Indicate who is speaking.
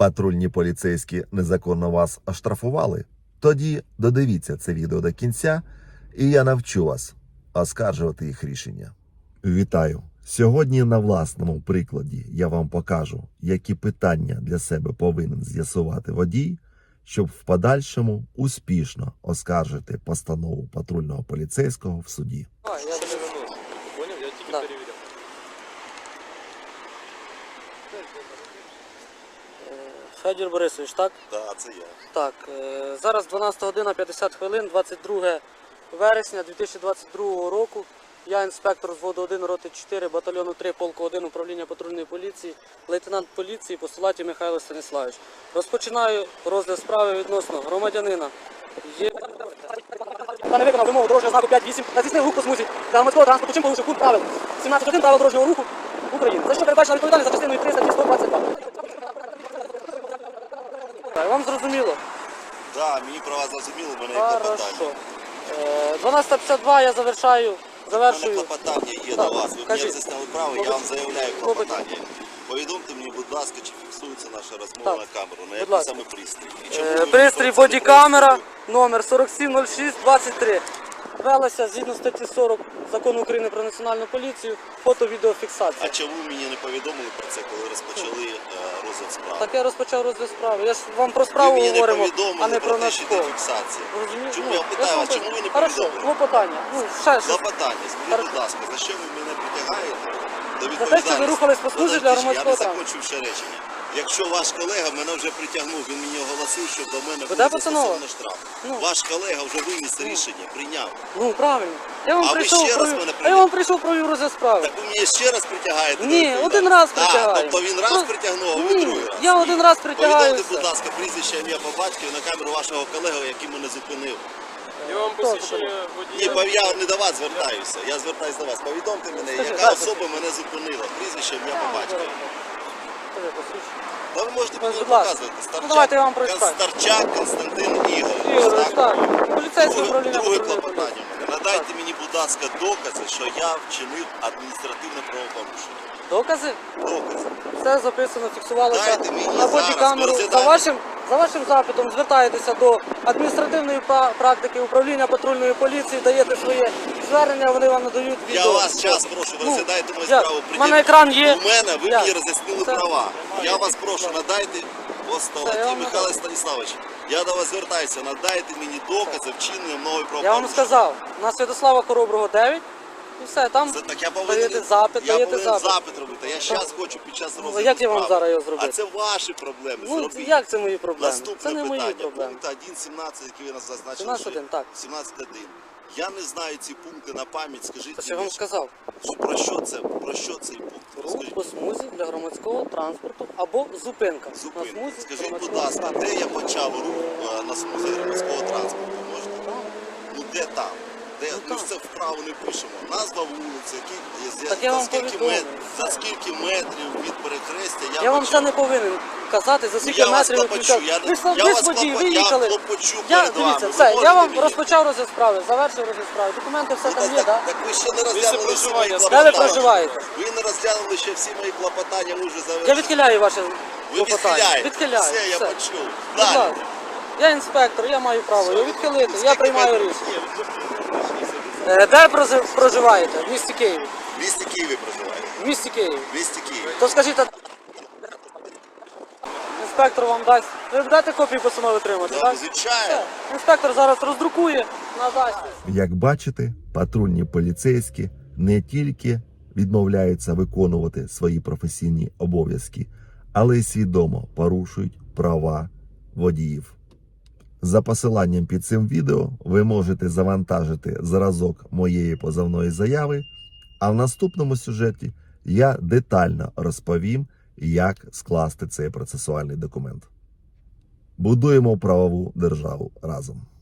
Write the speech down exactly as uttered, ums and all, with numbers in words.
Speaker 1: Патрульні поліцейські незаконно вас оштрафували? Тоді додивіться це відео до кінця, і я навчу вас оскаржувати їх рішення. Вітаю! Сьогодні на власному прикладі я вам покажу, які питання для себе повинен з'ясувати водій, щоб в подальшому успішно оскаржити постанову патрульного поліцейського в суді.
Speaker 2: А, я тебе вернусь.
Speaker 3: Понял? Я тільки
Speaker 2: Да.
Speaker 3: перевіряв.
Speaker 2: Федір Борисович, так?
Speaker 4: Так, це я.
Speaker 2: Так. е, Зараз дванадцята година п'ятдесят хвилин, двадцять друге вересня дві тисячі двадцять другого року. Я інспектор взводу один, роти чотири, батальйону три, полку один, управління патрульної поліції, лейтенант поліції Постулатів Михайло Станіславович. Розпочинаю розгляд справи відносно громадянина. Є... Та не виконав вимогу дорожнього знаку п'ять вісім на здійснив рух по смузі для громадського транспорту, чим порушив пункт правил сімнадцять один правил дорожнього руху України. За що передбачена відповідальність за частиною триста сто двадцять два. Вам зрозуміло?
Speaker 4: Так, мені про вас зрозуміло, в мене є клопотання.
Speaker 2: Хорошо. Е, дванадцята п'ятдесят два я завершаю,
Speaker 4: У мене
Speaker 2: завершую.
Speaker 4: клопотання є
Speaker 2: Так,
Speaker 4: до вас. Ви мені
Speaker 2: кажіть.
Speaker 4: роз'яснили право, я вам заявляю
Speaker 2: Клопотання.
Speaker 4: клопотання. Повідомте мені, будь ласка, чи фіксується наша розмова
Speaker 2: Так.
Speaker 4: на камеру, на
Speaker 2: Будь
Speaker 4: який
Speaker 2: ласка.
Speaker 4: саме пристрій. І чому
Speaker 2: Е,
Speaker 4: ви
Speaker 2: Пристрій
Speaker 4: використовуєте
Speaker 2: бодікамера,
Speaker 4: пристрій?
Speaker 2: номер сорок сім нуль шість двадцять три. Велася згідно статті сорок Закону України про національну поліцію, фото-відеофіксація.
Speaker 4: А чому ви мені не повідомили про це, коли розпочали е, розгляд справи?
Speaker 2: Так я розпочав розгляд справи. Я ж вам про
Speaker 4: Ви
Speaker 2: справу
Speaker 4: мені не
Speaker 2: говоримо, а
Speaker 4: повідомили
Speaker 2: не
Speaker 4: про
Speaker 2: про
Speaker 4: те, що йде
Speaker 2: наш
Speaker 4: фіксація.
Speaker 2: Розумієте?
Speaker 4: Чому
Speaker 2: Ну,
Speaker 4: я питаю,
Speaker 2: ж
Speaker 4: а
Speaker 2: вам
Speaker 4: чому ви не
Speaker 2: Хорошо,
Speaker 4: повідомили?
Speaker 2: клопотання. Ну, ще щось.
Speaker 4: Клопотання, скажіть,
Speaker 2: Хорошо.
Speaker 4: будь ласка, за що ви мене притягаєте до
Speaker 2: За те,
Speaker 4: відповідальності?
Speaker 2: що ви рухались по смузі для
Speaker 4: Подожди,
Speaker 2: громадського
Speaker 4: Я не
Speaker 2: транспорту.
Speaker 4: закончив ще речення. Якщо ваш колега мене вже притягнув, він мені оголосив, що до мене
Speaker 2: Буде
Speaker 4: буде
Speaker 2: постанова?
Speaker 4: застосовано штраф.
Speaker 2: Ну.
Speaker 4: Ваш колега вже виніс рішення, прийняв.
Speaker 2: Ну, правильно. Я вам
Speaker 4: А ви
Speaker 2: прийшов,
Speaker 4: ще раз
Speaker 2: провів-
Speaker 4: мене
Speaker 2: а я
Speaker 4: прийняли?
Speaker 2: вам прийшов провів розгляд справи.
Speaker 4: Так ви мені ще раз притягаєте? до
Speaker 2: Ні,
Speaker 4: відповідальності?
Speaker 2: один раз
Speaker 4: А,
Speaker 2: притягаю.
Speaker 4: тобто він раз
Speaker 2: Просто-
Speaker 4: притягнув, а ви
Speaker 2: Ні,
Speaker 4: другий раз?
Speaker 2: я
Speaker 4: Ні.
Speaker 2: один раз притягаюся.
Speaker 4: Повідомте, будь ласка, прізвище, ім'я по батькові на камеру вашого колеги, який мене зупинив.
Speaker 3: Я вам
Speaker 2: Хто
Speaker 3: посвідчення
Speaker 4: Ні,
Speaker 3: водія.
Speaker 4: пов- я не до вас звертаюся, я звертаюся до вас. Повідомте мене,
Speaker 2: Скажи,
Speaker 4: яка
Speaker 2: дайте.
Speaker 4: особа мене зупинила, прізвище, ім'я по батькові.
Speaker 2: Скажи, посвідчення.
Speaker 4: Та ви можете
Speaker 2: Ну,
Speaker 4: мені
Speaker 2: будь ласка.
Speaker 4: показувати. Старчак,
Speaker 2: Ну, давайте я вам прочитаю.
Speaker 4: Старчак Константин Ігорович.
Speaker 2: Ігорович,
Speaker 4: так?
Speaker 2: так. Поліцейське
Speaker 4: Друге,
Speaker 2: управління
Speaker 4: друге
Speaker 2: патрульної
Speaker 4: клопотання
Speaker 2: поліції.
Speaker 4: в мене. Надайте мені, будь ласка, докази, що я вчинив адміністративне правопорушення.
Speaker 2: Докази?
Speaker 4: Докази.
Speaker 2: Все записано, фіксувалося
Speaker 4: Дайте мені
Speaker 2: на
Speaker 4: зараз,
Speaker 2: бодікамеру.
Speaker 4: ми
Speaker 2: За
Speaker 4: розглядаємо.
Speaker 2: вашим, за вашим запитом звертаєтеся до адміністративної па- практики управління патрульної поліції, даєте своє звернення, вони вам надають відео.
Speaker 4: Я вас час прошу, ви
Speaker 2: Ну,
Speaker 4: розглядаєте мою
Speaker 2: як?
Speaker 4: справу.
Speaker 2: У мене екран є.
Speaker 4: У мене ви
Speaker 2: Як?
Speaker 4: мені роз'яснили
Speaker 2: Це-
Speaker 4: права. Я вас прошу, надайте
Speaker 2: Це я
Speaker 4: Постолаті
Speaker 2: вам
Speaker 4: Михайло
Speaker 2: надам.
Speaker 4: Станіславович. Я до вас звертаюся, надайте мені докази вчинення мною
Speaker 2: Я
Speaker 4: правопорушення.
Speaker 2: вам сказав, на Святослава Хороброго дев'ять, і все, там
Speaker 4: Це так я повинен,
Speaker 2: даєте запит,
Speaker 4: я
Speaker 2: даєте
Speaker 4: повинен
Speaker 2: запит.
Speaker 4: запит робити. Я зараз хочу під час розгляду
Speaker 2: як я вам
Speaker 4: справи.
Speaker 2: зараз його зробити?
Speaker 4: А це ваші проблеми.
Speaker 2: Ну,
Speaker 4: Зробіть.
Speaker 2: як це мої проблеми?
Speaker 4: Наступне
Speaker 2: Це не
Speaker 4: питання.
Speaker 2: мої проблеми.
Speaker 4: Пункт один сімнадцять, який ви нас зазначили.
Speaker 2: сімнадцять один, так.
Speaker 4: сімнадцять один. Я не знаю ці пункти на пам'ять. Скажіть
Speaker 2: Це ж я вам
Speaker 4: мені,
Speaker 2: сказав.
Speaker 4: що- про що це? Про що цей пункт?
Speaker 2: Рух
Speaker 4: Розкажіть.
Speaker 2: по смузі для громадського транспорту або зупинка. На
Speaker 4: Зупинку.
Speaker 2: смузі
Speaker 4: Скажіть, будь
Speaker 2: громадського
Speaker 4: ласка,
Speaker 2: транспорту.
Speaker 4: де я почав рух е, на смузі громадського транспорту? Можете?
Speaker 2: Там.
Speaker 4: Ну де там? Де?
Speaker 2: Ну,
Speaker 4: Ми ж
Speaker 2: там.
Speaker 4: це вправо не пишемо. Назва вулиці, які, є-
Speaker 2: Так я
Speaker 4: за,
Speaker 2: вам
Speaker 4: скільки
Speaker 2: повідомив.
Speaker 4: мет- за скільки метрів від перехрестя я,
Speaker 2: Я вам
Speaker 4: почав.
Speaker 2: це не повинен казати, за скільки
Speaker 4: Я вас
Speaker 2: метрів ви
Speaker 4: клопочу,
Speaker 2: включали.
Speaker 4: я не-
Speaker 2: Ви ж
Speaker 4: я
Speaker 2: ви
Speaker 4: вас
Speaker 2: ж водій,
Speaker 4: клопо-
Speaker 2: виїхали.
Speaker 4: я клопочу
Speaker 2: Я,
Speaker 4: перед
Speaker 2: дивіться,
Speaker 4: вами.
Speaker 2: все,
Speaker 4: Ви
Speaker 2: я
Speaker 4: можете
Speaker 2: вам
Speaker 4: мені?
Speaker 2: розпочав розгляд справи, завершив розгляд справи. Документи все
Speaker 4: Ну,
Speaker 2: там
Speaker 4: так,
Speaker 2: є,
Speaker 4: так,
Speaker 2: так?
Speaker 4: так ви ще не розглянули всі мої
Speaker 3: проживання.
Speaker 4: клопотання.
Speaker 2: Де ви проживаєте?
Speaker 4: Ви не розглянули ще всі мої клопотання, ми вже завершили.
Speaker 2: Я відхиляю ваше
Speaker 4: Ви
Speaker 2: клопотання.
Speaker 4: відхиляєте.
Speaker 2: Відхиляю.
Speaker 4: Все, я
Speaker 2: все.
Speaker 4: почув.
Speaker 2: Будь
Speaker 4: Далі.
Speaker 2: ласка. Я інспектор, я маю право його відхилити, я
Speaker 4: Скільки
Speaker 2: приймаю
Speaker 4: метрів?
Speaker 2: рішення. Е, Де прози- проживаєте? В місті Києві.
Speaker 4: В місті Києві проживаєте.
Speaker 2: В місті Києві.
Speaker 4: В місті Києві.
Speaker 2: То скажіть, а- інспектор вам дасть. Ви дайте копію постанови отримати,
Speaker 4: Да,
Speaker 2: так?
Speaker 4: звичайно.
Speaker 2: Все. Інспектор зараз роздрукує, надасть.
Speaker 1: Як бачите, патрульні поліцейські не тільки відмовляються виконувати свої професійні обов'язки, але й свідомо порушують права водіїв. За посиланням під цим відео ви можете завантажити зразок моєї позовної заяви, а в наступному сюжеті я детально розповім, як скласти цей процесуальний документ. Будуємо правову державу разом.